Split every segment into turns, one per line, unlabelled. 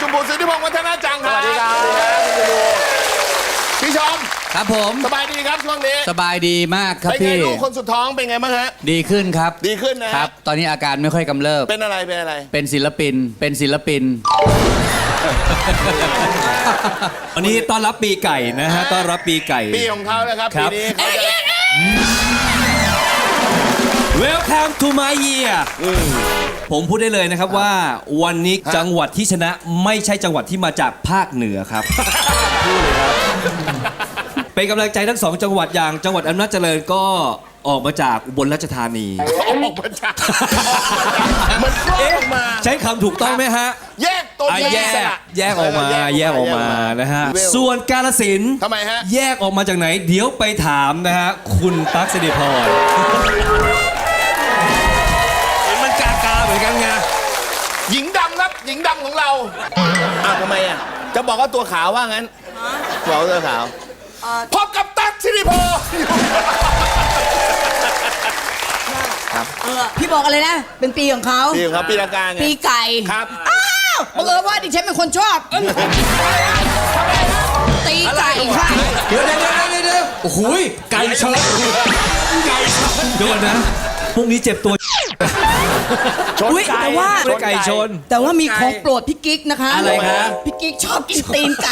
คุณปู่สุทธิพงษ์วัฒนาจังครับ
สวัสดีครับ
พี่ชม
ครับผม
สบายดีครับช่วงนี้
สบายดีมากครับ
เป็นไง
พี่
ลูกคนสุดท้องเป็นไงบ้างฮะ
ดีขึ้นครับ
ดีขึ้นนะฮะ
ครับ ตอนนี้อาการไม่ค่อยกำเริบ
เป็นอะไรเป็นอะไร
เป็นศิลปินเป็นศิลปิน
วันนี้ต้อนรับปีไก่นะฮะต้อนรับปีไก่
ปีของเขาแล้วครับ
ค
ปี
รับ
นี้เขาจะ
Welcome to my year ผมพูดได้เลยนะครับว่าวันนี้จังหวัดที่ชนะไม่ใช่จังหวัดที่มาจากภาคเหนือครับ พูดเลยครับ เป็นกำลังใจทั้งสองจังหวัดอย่างจังหวัดอำนาจเจริญก็ออกมาจากอุบลราชธานี
ออกมาจากมันคลอดออกมา
ใช้คำถูกต้องไหมฮะ
แยกตัว
แยกแยกออกมาแยกออกมานะฮะส่วนกาฬสินธุ์
ทำไมฮะ
แยกออกมาจากไหน เดี๋ยวไปถามนะฮะคุณตั๊กสิริพรเห็นมันกาเหมือนกันไง
หญิงดำครับหญิงดำของเราอ้าวทำไมอ่ะจะบอกว่าตัวขาวว่างั้นบอกว่าตัวขาวพบกับตั๊กสิริพร
พี่บอกอะไรนะ เป็นปีของเขา
ปีครับปีละกาไง
ปีไก่
ครับ
อ้าวบังเอิญว่าดิฉันเป็นคนชอบตีไก่ค่ะ
เดี๋ยวโอ้โหไก่ชนไก่ชนเดี๋ยวก่อนนะพรุ่งนี้เจ็บตัว
อุ๊ยแต่ว่า
ไม่ได้ไก่ชน
แต่ว่ามีของโปรดพี่กิ๊กนะคะ
อะไรคะ
พี่กิ๊กชอบกินตีนไก่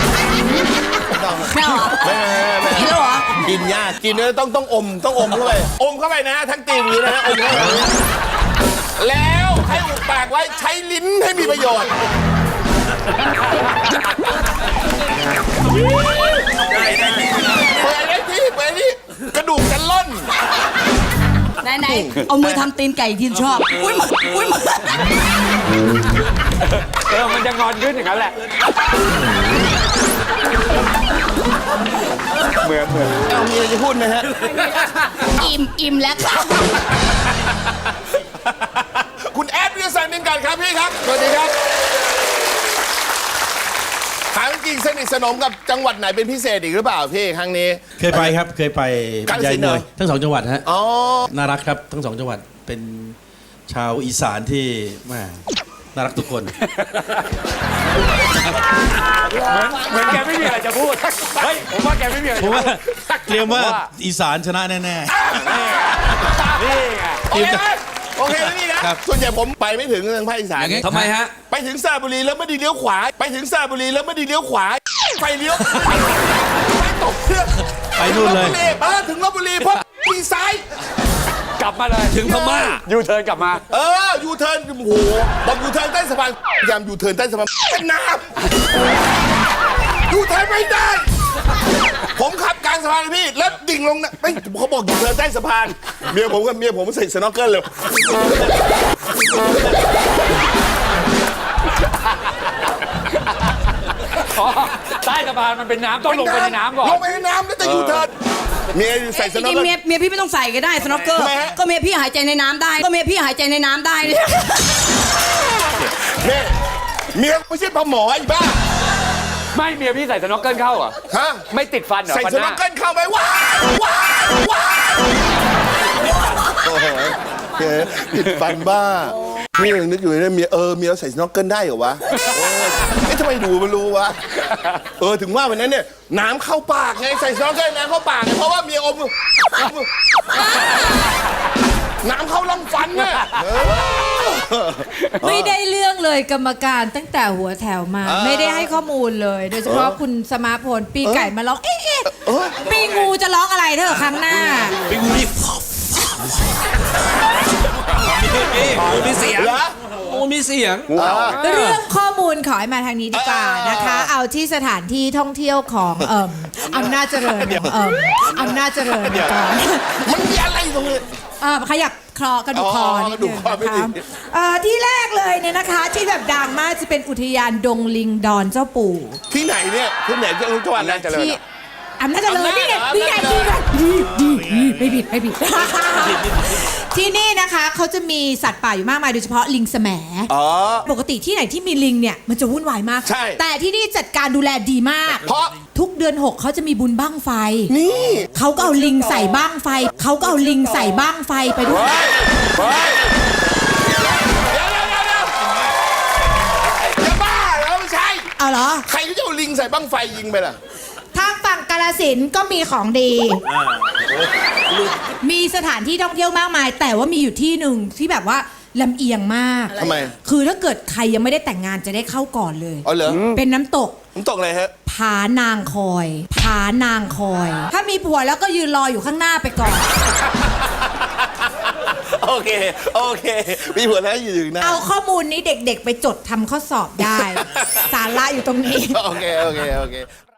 ไม่เอาเหรอ
ไม่
กินแล้วเหรอ
กินยากกินเนี่ยต้องอมเข้าไปอมเข้าไปนะทั้งตีวีนะฮะอมเข้าไปแล้วให้อุดปากไว้ใช้ลิ้นให้มีประโยชน์เปิดได้ที่กระดูกจะล่น
ไหนเอามือทำตีนไก่ที่ชอบอุ้ยมือ
มันจะงอนขึ้นอย่างนั้นแหละ
เอามีอะไรจะพูดไหมฮะ
อิ่มแล้วค่ะ
คุณแอดวิทยาศาสตร์นินกันครับพี่ครับสวัสดีครับถามจริงสนิทสนมกับจังหวัดไหนเป็นพิเศษอีกหรือเปล่าพี่ครั้งนี้
เคยไปครับ เคยไป
กาฬสินธุ์
มวย
เหรอ
ทั้งสองจังหวัดฮะ
อ๋อ
น่ารักครับทั้งสองจังหวัดเป็นชาวอีสานที่แม่น่ารักทุกคน
เหมือนแกไม่มีอะไรจะพูด เฮ้ย ผมว่าแกไม่มีอะไร
ผ
จะ
ม
พู
ว่า
ด
เตรียมว่าอีสานชนะแน่
นี่ไง
โอเคไหมโอเคแล้วนี่นะครับ ส่วนใหญ่ผมไปไม่ถึงทางภาคอีสาน
อย่างงี้
ทำไมฮะ
ไปถึงสระบุรีแล้วไม่ไดีเลี้ยวขวา ไปถึงสระบุรีแล้วไม่ไดีเลี้ยวขวาไฟเลี้ยวไปตกเครื่อง
ๆไปนู่นเลย
ถึงลพบุรีเพราะมีซ้าย
กลับมาเลย
ถึงพม่า
ยูเทิร์นกลับมา
ยูเทิร์นโอ้โหบอกยูเทิร์นใต้สะพานยามยูเทิร์นใต้สะพานเป็นน้ำยูเทิร์นไม่ได้ ผมขับกลางสะพานเลยพี่แล้วดิ่งลงนะไม่เขาบอกยูเทิร์นใต้สะพานเมียผมใส่สน็อกเกิลเลย
ใต้สะพานมันเป็นน้ำต้องลงไปในน้ำก่อน
ลงไปในน้ำแล้วจะยูเทิร์นเมียใส่ส
จ
น็อก
ริง
เกิล
ๆเมียพี่ไม่ต้องใส่ก็ได้สโนว์เกอร์
ทำไมฮะ
ก็เมียพี่หายใจในน้ำได้ก็เมียพี่หายใจในน้ำได้เนี่ย
เนี่ยเมียไม่ใช่ปลาหมอไอ้บ้า
ไม่เมียพี่ใส่สน็อกเกิลเข้าเหรอ
ฮะ
ไม่ติดฟันเหรอ
ใส่
ฟัน
ส
ห
น็อ
น้าก
เกิลเข้าไปว้าวโอ้โหติดฟันบ้านี่ยังนึกอยู่เลยเมียใส่สน็อกเกิลได้เหรอวะทำไมดูมันรู้วะถึงว่าวันนั้นเนี่ยน้ำเข้าปากไงใส่สน็อกเกิลน้ำเข้าปากไงเพราะว่าเมียอมน้ำเข้าลำฟันน่ะ
ไม่ได้เรื่องเลยกรรมการตั้งแต่หัวแถวมา ไม่ได้ให้ข้อมูลเลย โดยเฉพาะคุณสมาพลปีไก่มาร้องเอ๊ะปีงูจะร้องอะไรเธอครั้งหน้า
ไปงูนี่มีเสียง
เหรอ
โอ้มีเสียง
เรื่องข้อมูลขอให้มาทางนี้ดีกว่านะคะ เอาที่สถานที่ท่องเที่ยวของอำนาจเจริญอำนาจเจริญก่อน
มันมีอะไรตรงนี้
ขยับคอกระดูกคอนิด
กระดู
นึ
ก
ง
คอไม่
นะ
ดี
คะที่แรกเลยเนี่ยนะคะ ที่แบบดังมากจะเป็นอุทยานดงลิงดอนเจ้าปู่
ที่ไหนเนี่ยที่ไหนจังหวัดอะไร
ที่อำนาจเจริญนี่ไงนี่ไงไม่ผิด ที่นี่นะคะเขาจะมีสัตว์ป่าอยู่มากมายโดยเฉพาะลิงแสมปกติที่ไหนที่มีลิงเนี่ยมันจะวุ่นวายมาก
ใช่
แต่ที่นี่จัดการดูแลดีมาก
เพราะ
ทุกเดือน 6เขาจะมีบุญบั้งไฟ
นี่
เขาก็เอาลิงใส่บ้างไฟเขาก็เอาลิงใส่บ้างไฟไปด้วย
เฮ้ยเดี๋ยวอย่าบ้าแล้ว
เอาเหรอ
ใครก็จะเอาลิงใส่บั้งไฟยิงไปล่ะ
ทางฝั่งกาฬสินธุ์ก็มีของดี มีสถานที่ท่องเที่ยวมากมาย แต่ว่ามีอยู่ที่หนึ่งที่แบบว่าลำเอียงมาก
ทำไม
คือถ้าเกิดใครยังไม่ได้แต่งงานจะได้เข้าก่อนเลย
อ๋อเหรอ
เป็นน้ำตก
ผมตกอะไรฮะ
ผานางคอย ผานางคอย ถ้ามีผัวแล้วก็ยืนรออยู่ข้างหน้าไปก่อน
โอเค โอเค มีหัวแล้วอยู่หน้า
เอาข้อมูลนี้เด็กๆ ไปจดทำข้อสอบได้ สาระอยู่ตรงนี้
โอเค โอเค โอเค